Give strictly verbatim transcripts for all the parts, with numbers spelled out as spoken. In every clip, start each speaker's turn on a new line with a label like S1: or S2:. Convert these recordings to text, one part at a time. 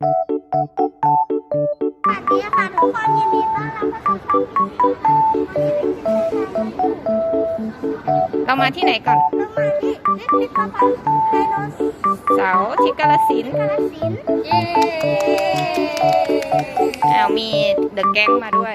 S1: สวัสดีค่ะทุกคนยินดีต้อนรับเข้าสู่ช่องนี้
S2: เรามาที่ไหนก่อน
S1: เรามาที่พิพิธภัณฑ์ไดโน
S2: เสาร์ที่กาฬสินธุ์
S1: กาฬสินธุ์เย้
S2: อ้าวมีเดอะแก๊งมาด้วย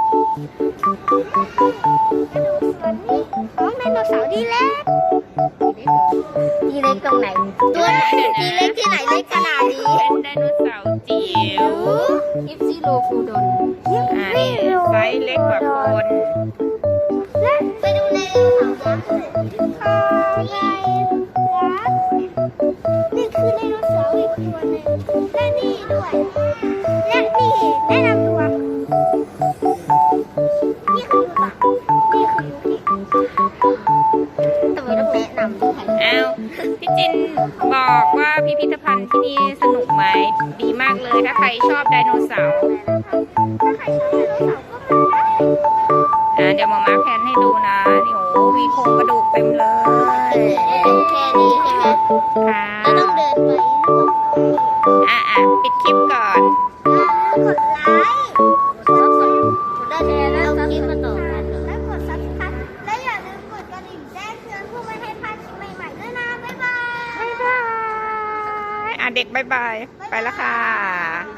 S1: กระดูกส่วนนี้ของไดโนเสาร์ดีเล็กดีเล็กตรงไหนตัวไหนดีเล็กที่ไหนเล็กขนาดนี้
S2: เป็นไดโนเสาร์จิ๋วอิฟซิโลฟูดอนอ่านี่ไซส์เล็กกว่าคน
S1: และไปดูไดโนเสาร์ยักษ์ค่ะใหญ่ยักษ์นี่คือไดโนเสาร์อีกตัวหนึ่งและนี่ด้วยและนี่แนะนำตัวนี่คือยูตะนี่คือยูกิทำไมต้องแนะนำด้วย
S2: อ้าวพี่จินบอกว่าพิพิธภัณฑ์ที่นี่สนุกไหมดีมากเลยถ้าใครชอบไดโนเสาร์
S1: ถ้าใครชอบไดโนเสาร์ก็มาได้
S2: อ่าเดี๋ยวมามาแพนให้ดูนะนี่โอ้มีโครงกระดูกเต็มเลย
S1: แค่นี้ใช่ไหม
S2: ค่ะ
S1: แล้วต้องเดินไป
S2: อ่ะอ่ะปิดคลิปก่อน
S1: กดไลค์กดซับสไครต์แล้วคลิปมาต่อกันแล้วกดซับสไครต์และอย่าลืมกดกระดิ่งแจ้งเตือนเพื่อไม่ให้พลาดคลิปใหม่ๆด้วยนะ บ๊ายบาย
S2: บ๊ายบายอ่ะเด็กบ๊ายบาย ไปแล้วค่ะ